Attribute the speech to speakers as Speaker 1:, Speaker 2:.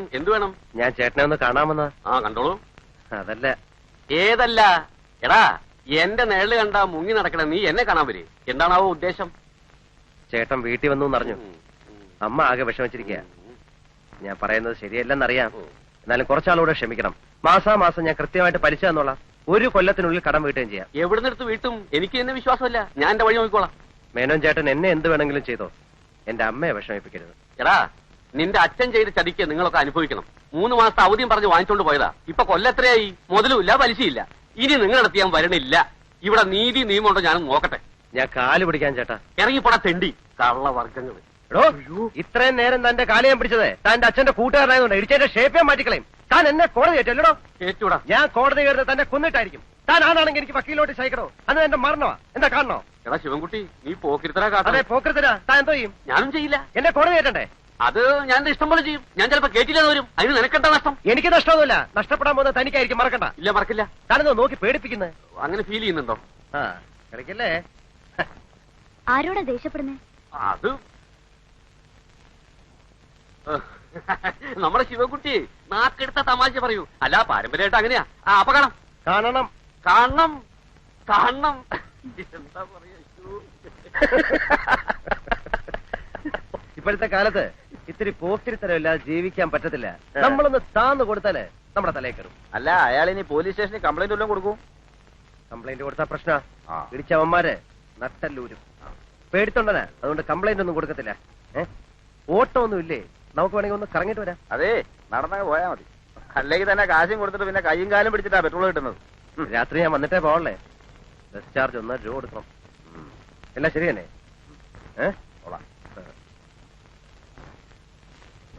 Speaker 1: എന്ത് വേണം?
Speaker 2: ഞാൻ ചേട്ടനെ ഒന്ന് കാണാമെന്ന.
Speaker 1: ആ കണ്ടോളൂ.
Speaker 2: അതല്ല.
Speaker 1: ഏതല്ല? എടാ എന്റെ നേരില് കണ്ട മുങ്ങി നടക്കണ നീ എന്നെ കാണാൻ വരെ. എന്താണാവോ ഉദ്ദേശം?
Speaker 2: ചേട്ടൻ വീട്ടിൽ വന്നു എന്നറിഞ്ഞു. അമ്മ ആകെ വിഷമിച്ചിരിക്കുക. ഞാൻ പറയുന്നത് ശരിയല്ലെന്നറിയാം. എന്നാലും കുറച്ചാളൂടെ ക്ഷമിക്കണം. മാസാമാസം ഞാൻ കൃത്യമായിട്ട് പലിശ തന്നോളാം. 1 കൊല്ലത്തിനുള്ളിൽ കടം വീട്ടുകയും ചെയ്യാം.
Speaker 1: എവിടുന്നെടുത്ത് വീട്ടും? എനിക്ക് എന്നെ വിശ്വാസമില്ല. ഞാൻ എന്റെ വഴി നോക്കിക്കോളാം.
Speaker 2: മേനോൻ ചേട്ടൻ എന്നെ എന്ത് വേണമെങ്കിലും ചെയ്തോ, എന്റെ അമ്മയെ വിഷമിപ്പിക്കരുത്.
Speaker 1: എടാ നിന്റെ അച്ഛൻ ചെയ്ത് ചതിക്ക് നിങ്ങളൊക്കെ അനുഭവിക്കണം. 3 മാസത്തെ അവധിയും പറഞ്ഞ് വാങ്ങിച്ചോണ്ട് പോയതാ. ഇപ്പൊ കൊല്ലത്രയായി. മുതലുമില്ല പലിശയില്ല. ഇനി നിങ്ങളടുത്ത് ഞാൻ വരണില്ല. ഇവിടെ നീതി നിയമമുണ്ടോ ഞാനും നോക്കട്ടെ.
Speaker 2: ഞാൻ കാല് പിടിക്കാൻ ചേട്ടാ.
Speaker 1: ഇറങ്ങിപ്പോടാ തെണ്ടി കള്ളവർഗ്ഗങ്ങൾ.
Speaker 2: ഇത്രയും നേരം തന്റെ കാല് ഞാൻ പിടിച്ചത് തന്റെ അച്ഛന്റെ കൂട്ടുകാരനായതുകൊണ്ട് ഇടിച്ചതിന്റെ ഷേപ്പ് ഞാൻ മാറ്റിക്കളയും. താൻ എന്നെ കോടതി കയറ്റല്ലോ.
Speaker 1: കേട്ടൂടാ.
Speaker 2: ഞാൻ കോടതി കയറുന്നത് തന്നെ കൊന്നിട്ടായിരിക്കും. താൻ ആണാണെങ്കിൽ എനിക്ക് വക്കീലോട്ട് സഹിക്കണോ? അത് എന്റെ മരണമാ. എന്താ കാണണോ?
Speaker 1: എടാ ശിവൻകുട്ടി നീ പോക്കിരുത്തരാ കാട്ടെ.
Speaker 2: അതെ പോക്കരുത്തരാ. താൻ എന്തോ ചെയ്യും?
Speaker 1: ഞാനും ചെയ്യില്ല.
Speaker 2: എന്നെ കോടതി കയറ്റണ്ടേ?
Speaker 1: അത് ഞാൻ എന്റെ ഇഷ്ടം പോലെ ചെയ്യും. ഞാൻ ചിലപ്പോ കേട്ടില്ലെന്ന് വരും. അതിന് നിനക്കെന്താ നഷ്ടം?
Speaker 2: എനിക്ക് നഷ്ടമൊന്നുമില്ല. നഷ്ടപ്പെടാൻ പോകുന്നത് തനിക്കായിരിക്കും. മറക്കണ്ട.
Speaker 1: ഇല്ല മറക്കില്ല.
Speaker 2: താനെന്തോ നോക്കി പേടിപ്പിക്കുന്നത്?
Speaker 1: അങ്ങനെ ഫീൽ ചെയ്യുന്നുണ്ടോ?
Speaker 2: ആ കളിക്കല്ലേ.
Speaker 3: ആരോടാ ദേഷ്യപ്പെടുന്നേ?
Speaker 1: അത് നമ്മുടെ ശിവൻകുട്ടി നാക്കെടുത്ത തമാശ പറയൂ. അല്ല പാരമ്പര്യമായിട്ട് അങ്ങനെയാ. അപ്പൊ കാണാം.
Speaker 2: കാണണം
Speaker 1: കാണണം കാണണം. എന്താ പറയാ?
Speaker 2: ഇപ്പോഴത്തെ കാലത്ത് ഇത്തിരി പോക്കിരിത്തരമില്ലാതെ ജീവിക്കാൻ പറ്റത്തില്ല. നമ്മളൊന്ന് താന്ന് കൊടുത്താലേ നമ്മുടെ തലയിൽ കയറും.
Speaker 4: അല്ല അയാൾ ഇനി പോലീസ് സ്റ്റേഷനിൽ കംപ്ലൈന്റ് വല്ലതും കൊടുക്കും?
Speaker 2: കംപ്ലൈന്റ് കൊടുത്താ പ്രശ്ന. ഇടിച്ചവന്മാര് നട്ടല്ലൂരും. പേടിത്തൊണ്ടനാ. അതുകൊണ്ട് കംപ്ലൈന്റ് ഒന്നും കൊടുക്കത്തില്ല. ഓട്ടോ ഒന്നും ഇല്ലേ? നമുക്ക് വേണമെങ്കിൽ ഒന്ന് കറങ്ങിട്ട് വരാം.
Speaker 4: അതെ നടന്നങ്ങ് പോയാ മതി. അല്ലെങ്കിൽ തന്നെ കാശും കൊടുത്തിട്ട് പിന്നെ കൈയും കാലും പിടിച്ചിട്ടാ പെട്രോൾ കിട്ടുന്നത്.
Speaker 2: രാത്രി ഞാൻ വന്നിട്ടേ പോകണല്ലേ. ബസ് ചാർജ് 1 രൂപ കൊടുക്കണം. എല്ലാം ശരി തന്നെ.